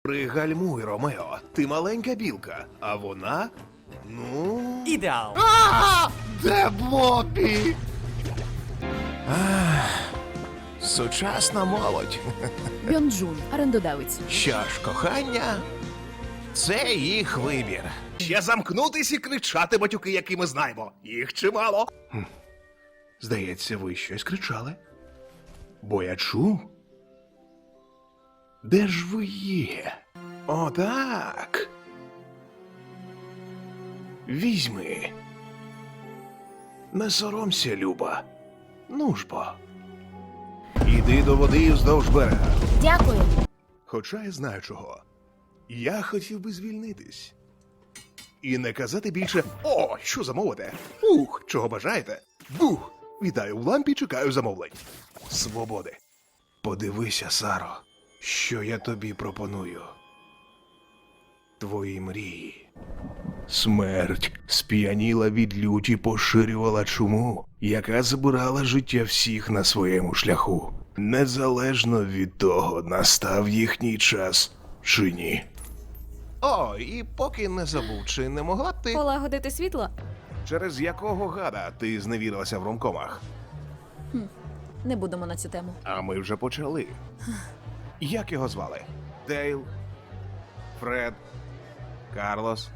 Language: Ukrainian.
Пригальмуй, Ромео. Ти маленька білка, а вона... Ну... Ідеал. Де Бобі? Сучасна молодь. Бьонджун, орендодавець. Що ж, кохання, це їх вибір. Ще замкнутись і кричати батюки, які ми знаємо. Їх чимало. Здається, ви щось кричали. Бо я чув. Де ж ви є? О, так. Візьми. Не соромся, Люба. Ну ж бо. Іди до води вздовж берега. Дякую. Хоча я знаю чого. Я хотів би звільнитись. І не казати більше «О, що замовите? Ух, чого бажаєте? Бух! Вітаю в лампі, чекаю замовлень. Свободи. Подивися, Саро, що я тобі пропоную. Твої мрії. Смерть сп'яніла від люті, поширювала чуму, яка забирала життя всіх на своєму шляху. Незалежно від того, настав їхній час чи ні. О, і поки не забув, чи не могла б ти... Полагодити світло? Через якого гада ти зневірилася в ромкомах? Не будемо на цю тему. А ми вже почали. Як його звали? Дейл? Фред? Карлос?